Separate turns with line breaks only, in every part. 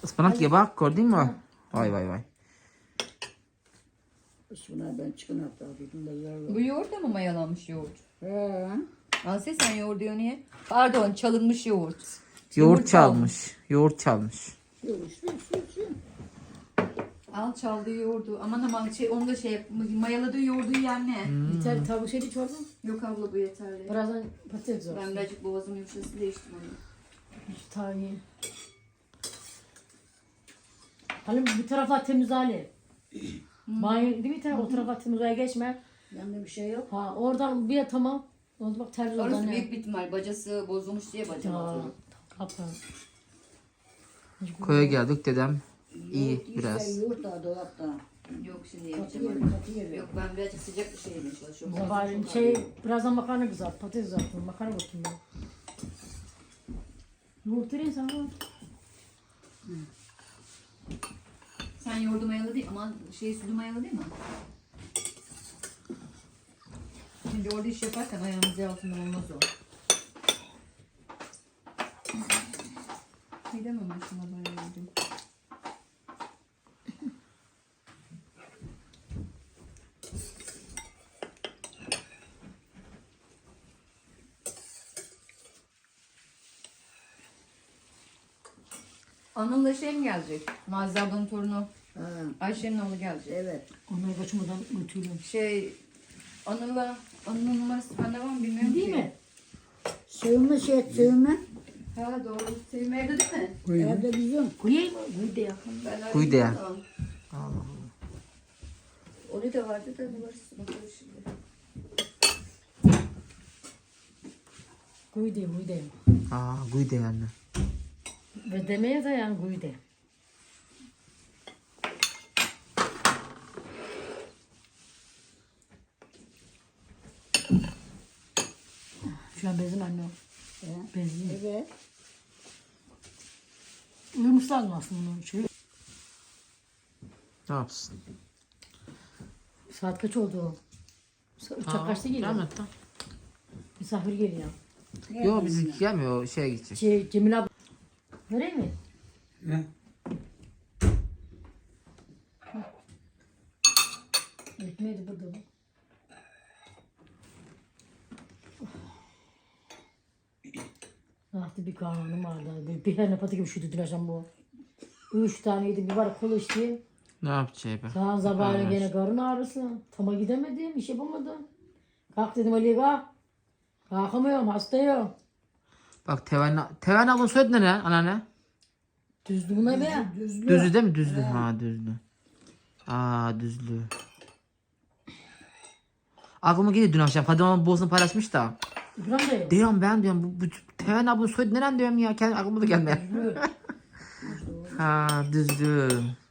Ispanak ye bak, gördün mü? Vay vay vay.
Şuna ben çıkın hatta dedim de yarın.
Bu yoğurt da mı mayalanmış yoğurt?
He.
Asya sen yoğurt diyor niye? Pardon, çalınmış yoğurt.
Yoğurt çalmış. Yoğurt çalmış.
Şu.
Al çaldığı yoğurdu. Aman aman onu da mayaladığı yoğurdu yiyen ne?
Yeter tavuk şeydi çorba.
Yok abla bu yeterli.
Birazdan patates olsun.
Ben birazcık boğazım yumuşasın değiştim onu.
Tane. Halim bir taraflar temiz hali. Banyo değil mi? O tarafa temiz oraya geçme.
Yanında bir şey yok.
Ha oradan bir tamam. Oldu bak tercih
Orası
oradan
büyük bir ihtimal. Bacası bozulmuş diye bacam atıyor.
Kapı.
Koya geldik dedem. İyi
Yoğurt
biraz.
işte, yoğurt da dolapta.
Yok şimdi
Katı
yemeyeceğim
yeri
onu.
katı yeri.
Yok ben birazcık sıcak bir şey yemeye çalışıyorum.
Sabahleyin
Boğazım çok ağrıyor.
birazdan makarna kızart. Patates kızartın. Makarna bakayım ben. Yoğurt vereyim sana.
Sen yoğurdu mayalı değil ama sütü mayalı değil mi? Şimdi orada iş yaparken ayağımız altında olmaz o. Gidemem ben şuna bayağı yedim. Anıl'la mi gelecek? Mazide ablanın torunu.
Ha,
Ayşe'nin oğlu gelecek.
evet.
Onları kaçmadan götürüyorum.
Anıl'ın numarası bende var mı bilmiyorum
Değil
ki.
mi?
Sığınma sığınma.
Ha doğru. Sevim evde değil mi?
Evde bizim.
Koyayım mı? Koy de ya.
Ben
Kuydu ya.
Onu da vardı da numarası bakalım şimdi.
Koy de, koy de.
Aa, kuydu yani.
Ve demeye de yani koy de. Şu an bezin anne o. Bezin.
Evet.
Uyumuş lazım aslında onun şey.
Ne yapsın?
Saat kaç oldu? Uçak kaçta geliyor?
Rahmet lan.
Misafir geliyor.
Yok bizimki gelmiyor, şeye gidecek.
Cemil abi. Vereyim mi?
Ne?
Ekmeği de burada bu. Ah bir karnım vardı. Bir tane patı gibi üşüdü dün akşam bu. 3 tane yedim. Bir var kola içti.
Ne yapacak be?
Sağın sabahleyin gene karın ağrısı. Tama gidemedim. İş yapamadım. Kalk dedim Ali kalk. Kalkamıyorum hastayım.
Bak Teven ablanın soyadı ne lan anneanne?
Düzdü buna be.
Düzlü değil mi? Düzlü. Ha düzlü. Aa düzlü. Aklıma geliyor dün akşam. Fadime ablanın boğazını paylaşmış da.
İbrahim dayı.
Diyorum ben diyorum bu Teven ablanın soyadı neren diyorum ya. Kendi aklıma da gelmiyor. Ha düzlü.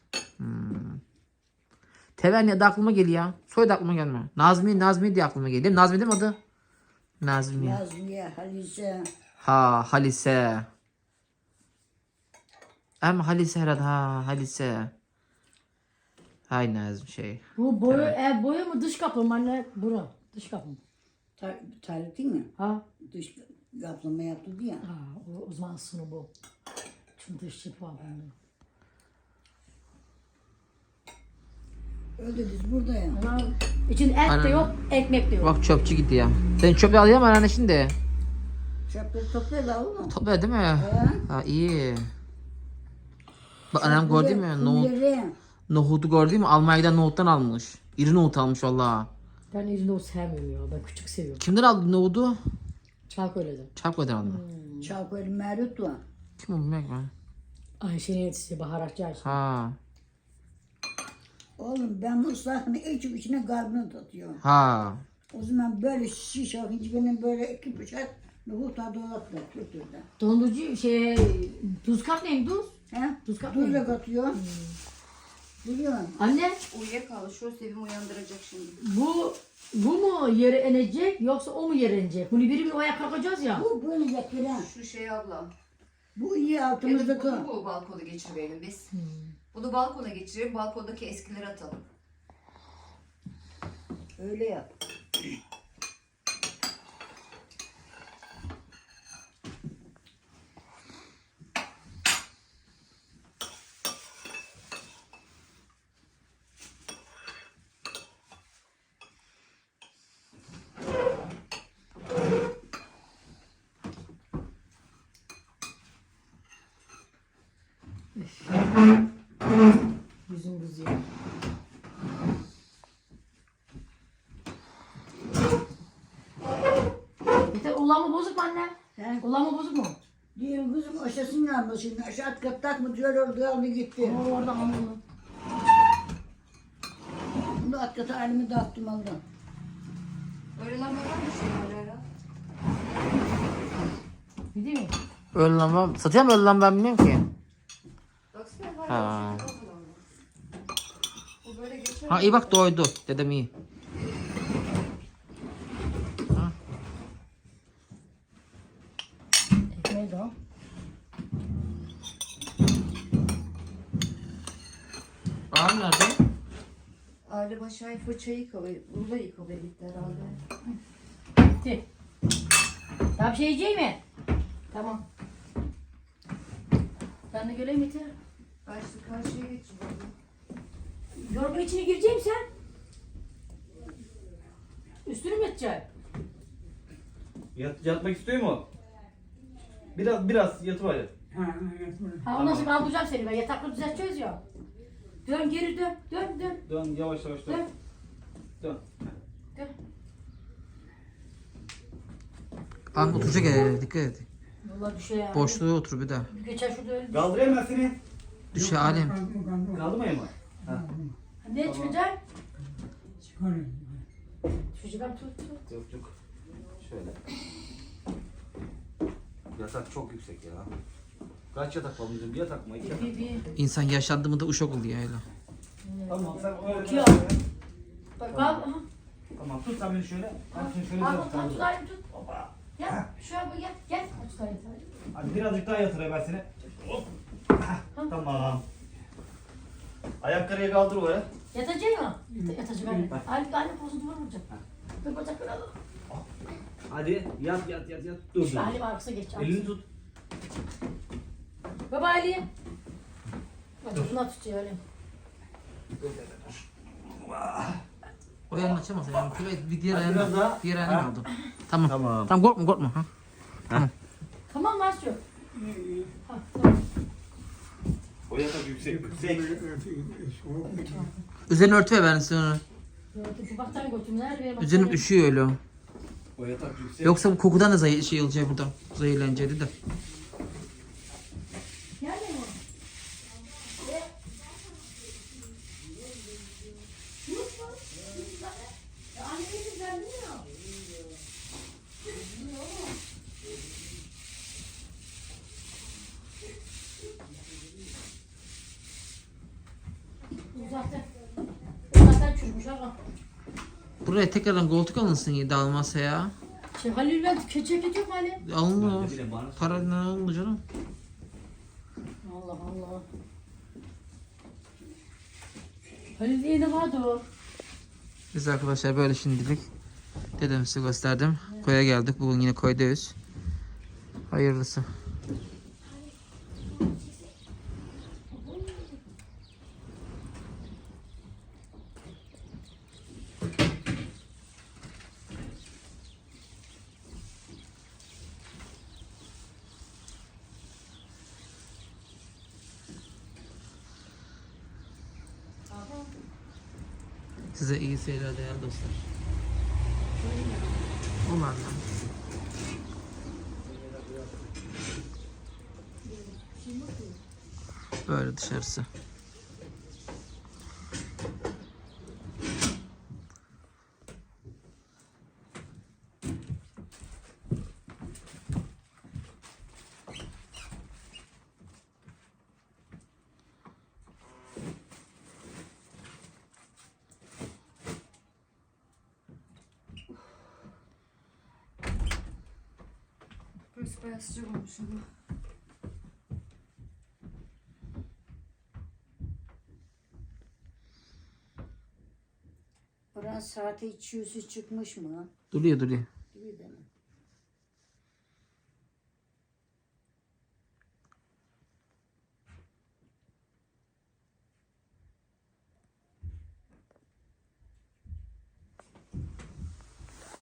Teven ya da aklıma geliyor ya. Soyadı aklıma gelmiyor. Nazmi diye aklıma geliyor. Nazmi değil mi adı? Nazmi.
Nazmiye, Halise.
Ha Halise. Ama Halise herhalde ha Halise. Hay Nazmi şey.
Bu boyu, ev boyu mu dış kapı mı anne? Bura. Dış kapı mı?
Tarih değil mi?
Ha?
Dış kaplama yaptı diye.
Ha o zaman sunu bu. Çünkü dış çipi var bende.
Öyle biz burada ya.
Ama için et de yok, ekmek de yok.
Bak çöpçü gitti ya. Sen çöpü alıyor mu anne şimdi?
Çöpleri toplayalım oğlum.
Topluyor değil mi? Ha iyi. Bak annem gördü mü? Nohutu gördü mü? Almanya'dan nohuttan almış. İri nohut almış valla.
Ben izin o sevmiyorum ya. Ben küçük seviyorum.
Kimden aldı nohutu?
Çağköy'den.
Çarpı'dan aldı.
Çavkoylu Merut var.
Kim o bilmek mi?
Ayşe'nin yetişti baharatçı Ayşe.
Ha.
Oğlum ben bu ıslahını içip içine kalbini tutuyorum.
Ha.
O zaman böyle şiş alınca benim böyle 2 bıçak nohut dolapta götürdü.
Dondurucu tuz kat neyim tuz?
He?
Tuz kat
Tuzla
neyim?
katıyor. Biliyorsun.
Anne
Uyuyakaldı. Şu Sevim uyandıracak şimdi.
bu mu yere inecek yoksa o mu yere inecek? Bunu biri bir oya kalkacağız ya.
Bu böyle getiren.
Şu abla.
Bu iyi
Ya da
altımızdaki.
bunu balkona geçirelim biz. Bunu balkona geçirelim. Balkondaki eskileri atalım.
Öyle yap.
Yüzüm kızıyor. Yeter ulan mı bozuk mu anne?
He?
Ulan mı bozuk mu?
Diyorum kızım aşağısını yandı şimdi. Aşağı kattak mı diyor orada aldı gitti.
O oradan alın.
Bunu at kata elimi dağıttım aldım.
Öyle lamba var mı şimdi ara?
Gidiyor mu?
Öyle lamba. Satıyor mu öyle lamba ben bilmiyorum ki.
Baksana var
Ha.
ya. Bu böyle geçer.
Ha iyi bak doydu. Dedem iyi.
Ekmeği de al.
Ağam nerede?
Aile başı fırçayı yıkamaya, burada yıkamaya gitti herhalde.
Gitti. Daha bir şey yiyecek mi? Tamam. Ben de göreyim yeter.
Karşıya geçiyor.
Yorgun içine gireceğim sen. Üstünü mü yatacak?
Yatmak istiyor mu? Biraz yatıver yat.
Ha o nasıl kaldıracağım seni ben yatakla düzelteceğiz ya. Dön geri dön. Dön dön.
Dön yavaş yavaş dön.
Dön.
Dön.
Dön.
Ağam oturacak dikkat et.
Vallahi düşe ya.
Boşluğa otur bir daha.
Geçer şurada öyle.
Kaldırayım ben seni.
Düşe alem.
Kaldırmayayım mı? Ha.
Ne çıkacak?
Çıkarın.
Çocuklar tut.
Yok. Şöyle. Yatak çok yüksek ya. Kaç yatak var bizim? Bir yatak mı? İki yatak mı?
Bir.
İnsan yaşlandı mı da uşak oluyor öyle.
Tamam sen öyle.
Bakıyor. Bak al.
Tamam tut sen beni şöyle. Ben seni şöyle
Al
yatırayım.
tut tutayım tut. Gel şuraya bu gel. Gel. Tutayım.
Hadi birazcık daha yatırayım ben seni. Hop. Tamam. Ayakları kaldır oraya.
Yatacak mı? Yatacak anne. Anne pozunu vurmayacak. Dur bacakları alalım.
Hadi yat. Dur.
Şu Ali arkasına geç.
Elini tut.
Baba Ali. Bacakına tutuyor öyle.
O yanını açamaz yani. Bir diğer
Hadi biraz
ayağını
daha.
diğer ayağını
Ha.
aldım. Tamam.
Tamam.
Tamam korkma. Ha.
Tamam mı Asyo? Ha, tamam.
O yatak yüksek.
Üzerine örtü ver ben size onu.
Şu baktan götüm nerede?
Üzerim üşüyor öyle.
O yatak yüksek.
Yoksa bu kokudan da şey olacak burada. Zehirleneceği de.
Nerede mi? Zaten çürümüş ama.
Buraya tekrardan koltuk alınsın ya dağılmazsa ya.
Halil ben ceket yok mu Halil?
Alınır.
Ne bileyim bana.
Para ne oldu canım?
Allah Allah. Halil yine vardı o.
Biz arkadaşlar böyle şimdilik dedem size gösterdim. Koya geldik. Bugün yine koydayız. Hayırlısı. Size iyi seyirler değerli dostlar. Umarım. Böyle dışarısı.
Burası bayağı sıcak olmuş ama.
Buranın saati 200'ü çıkmış mı?
Duruyor.